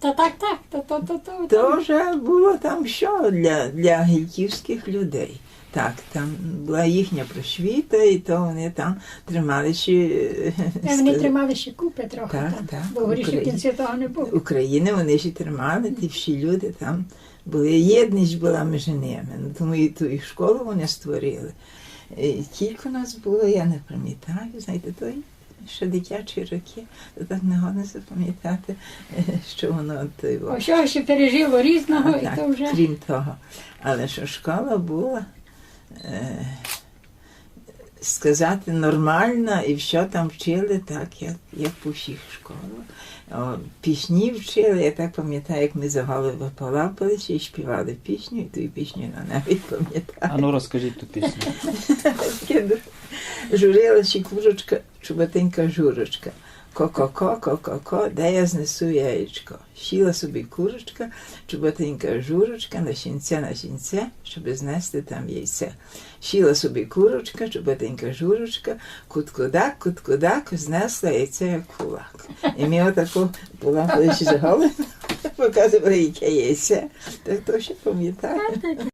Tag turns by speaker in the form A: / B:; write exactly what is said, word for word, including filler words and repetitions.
A: Та так, так, то, то, то, то.
B: То вже було там що для, для гільківських людей. Так, там була їхня просвіта, і то вони там тримали ще...
A: Та вони тримали ще купи трохи
B: Так,
A: там,
B: так,
A: бо горіше
B: Україна.
A: кінці того не було.
B: України вони ще тримали, ті всі люди там були, єдність була між ними. Ну, тому і ту і школу вони створили. І кілька нас було, я не пам'ятаю, знаєте, той ще дитячі роки, то так не годно запам'ятати, що воно той.
A: О, що ще пережило різного,
B: А,
A: і
B: так,
A: то вже...
B: крім того. Але що школа була, е, сказати, нормальна, і все там вчили так, як, як по всіх школах. О, пісні вчили, я так пам'ятаю, як ми за голову полапалися і співали пісню, і ту пісню я навіть пам'ятаю.
C: А ну розкажіть ту пісню.
B: Журилася курочка, чубатенька журочка. Ко-ко-ко, ко-ко-ко, де я знесу яєчко. Сіла собі курочка, чубатенька журочка, на сінце, на сінце, щоб знести там яйце. Сіла собі курочка, чубатенька журочка, кут-кудак, кут-кудак, знесла яйце як кулак. І ми отако полапали за голову, показували, яке яйце. Так то ще пам'ятаю.